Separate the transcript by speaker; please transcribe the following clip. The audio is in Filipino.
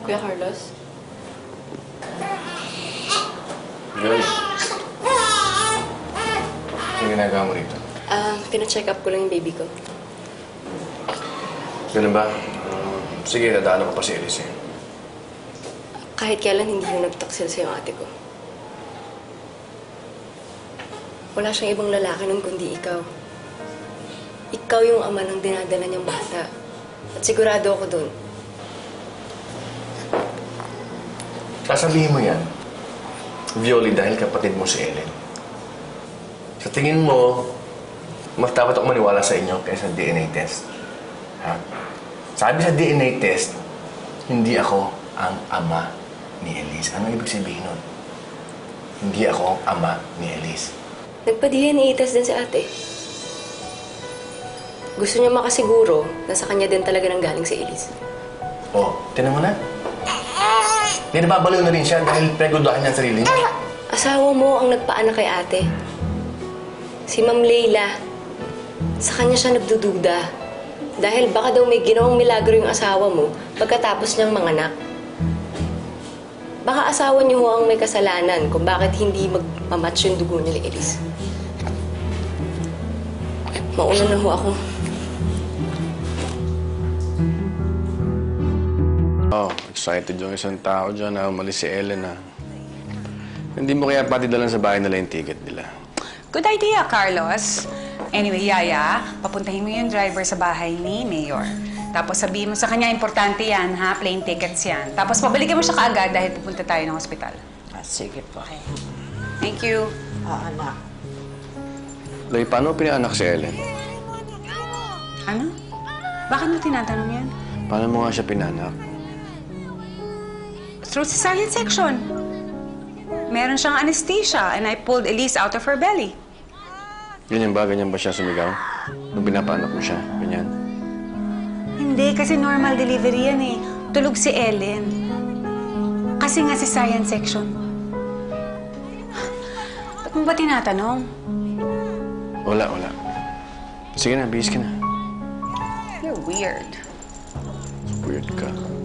Speaker 1: Kuya Carlos?
Speaker 2: Joy. Ano ginagawa mo rito?
Speaker 1: Pina-check up ko lang yung baby ko.
Speaker 2: Ganun ba? Sige, dadaan ko pa si Elise.
Speaker 1: Kahit kailan hindi yung nagtaksil sa yung ate ko. Wala siyang ibang lalaki nun kundi ikaw. Ikaw yung ama ng dinadala niyang bata. At sigurado ako dun.
Speaker 2: Sasabihin mo yan, Violi, dahil kapatid mo si Ellen. Sa tingin mo, mas dapat ako maniwala sa inyo kaysa DNA test. Ha? Sabi sa DNA test, hindi ako ang ama ni Elise. Ano ibig sabihin nun? Hindi ako ang ama ni Elise.
Speaker 1: Nagpa-DNA test din si ate. Gusto niya makasiguro na sa kanya din talaga nang galing si Elise.
Speaker 2: Oh, tinan mo na. Hindi nababaliw na rin siya dahil pregudahan niya ang sarili niya.
Speaker 1: Asawa mo ang nagpaanak kay ate. Si Ma'am Leila. Sa kanya siya nagdududa. Dahil baka daw may ginawang milagro yung asawa mo pagkatapos niyang manganak. Baka asawa niyo ho ang may kasalanan kung bakit hindi magmamatch yung dugo niya ni Elise. Mauna na ho ako.
Speaker 2: Oh, excited yung isang tao dyan na umalis si Ellen na. Hindi mo kaya pati dalan sa bahay nila yung ticket nila.
Speaker 3: Good idea, Carlos. Anyway, Yaya, papuntahin mo yung driver sa bahay ni Mayor. Tapos sabihin mo sa kanya, importante yan, ha? Plane tickets yan. Tapos pabalikan mo siya kaagad dahil pupunta tayo ng ospital.
Speaker 4: Sige po.
Speaker 3: Okay. Thank you.
Speaker 4: Anak.
Speaker 2: Loy, paano pinaanak si Ellen?
Speaker 3: Ano? Bakit mo tinatanong yan?
Speaker 2: Paano mo nga siya pinanak?
Speaker 3: Through cesarean section. Meron siyang anesthesia and I pulled Elise out of her belly.
Speaker 2: Ganyan ba? Ganyan ba siya sumigaw? Nung pinapaanak mo siya? Ganyan?
Speaker 3: Hindi, kasi normal delivery yan eh. Tulog si Ellen. Kasi nga cesarean section. Ba't mo ba tinatanong?
Speaker 2: Wala. Sige na, bihis ka na.
Speaker 3: You're weird.
Speaker 2: Weird ka.